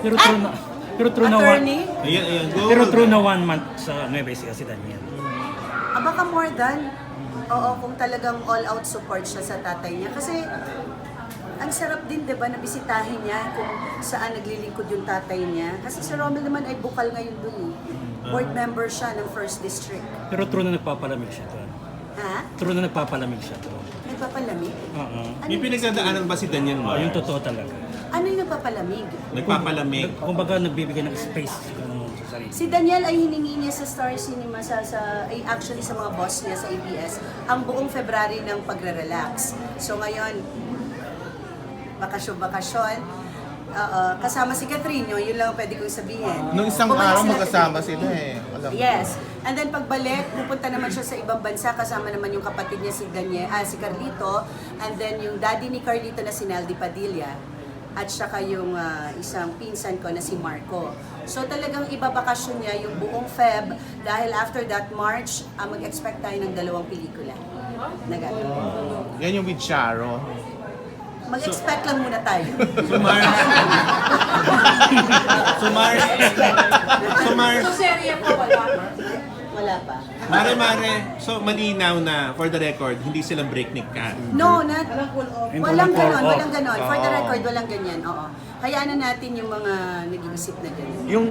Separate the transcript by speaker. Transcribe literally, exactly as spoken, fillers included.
Speaker 1: Pero true na, pero true na one,
Speaker 2: Attorney?
Speaker 3: Ayan, ayan. Go.
Speaker 1: pero true na one month sa Nueva Ecija si Daniel.
Speaker 2: Ah, baka more than. Oo, kung talagang all-out support siya sa tatay niya. Kasi, ang sarap din, di ba, na bisitahin niya kung saan naglilingkod yung tatay niya. Kasi si Romel naman ay bukal ngayon dun eh. Board member siya ng first District.
Speaker 1: Pero true na nagpapalamig siya to.
Speaker 2: Ha?
Speaker 1: True na nagpapalamig siya to.
Speaker 2: Nagpapalamig?
Speaker 1: Oo.
Speaker 3: May pinagdadaanan ba si Daniel
Speaker 1: Oh,
Speaker 3: Mar?
Speaker 1: yung totoo talaga.
Speaker 2: Ano yung nagpapalamig?
Speaker 3: Nagpapalamig.
Speaker 1: Kumbaga nagbibigay ng space kung sa sarili.
Speaker 2: Si Daniel ay hiningi niya sa Star Cinema, sa, sa, ay actually sa mga boss niya sa A B S, ang buong February ng pagre-relax. So ngayon, bakasyon-bakasyon, oo, kasama si Catherine, yun, yun lang ang pwede kong sabihin.
Speaker 4: Nung isang
Speaker 2: Bumalik
Speaker 4: araw
Speaker 2: sila
Speaker 4: magkasama
Speaker 2: today.
Speaker 4: sila eh. Alam mo.
Speaker 2: Yes. And then pagbalik, pupunta naman siya sa ibang bansa, kasama naman yung kapatid niya si Daniel, ah, si Carlito, and then yung daddy ni Carlito na si Naldi Padilla, at saka yung ah, isang pinsan ko na si Marco. So talagang ibabakasyon niya yung buong Feb dahil after that March, ah, mag-expect tayo ng dalawang pelikula na gagawin.
Speaker 4: Yan yung with Charo.
Speaker 2: Mag-expect lang muna tayo.
Speaker 3: Sumar. Sumar. Sumar.
Speaker 2: Wala pa.
Speaker 3: Mare, mare. So, malinaw na, for the record, hindi silang breakneck ka.
Speaker 2: No, not,
Speaker 1: Hindi
Speaker 2: walang
Speaker 1: walang
Speaker 2: ganon,
Speaker 1: call off.
Speaker 2: walang ganon. For the
Speaker 4: Oo.
Speaker 2: record, walang ganyan. Oo. Hayaan na natin yung mga nag-iisip na ganyan.
Speaker 4: Yung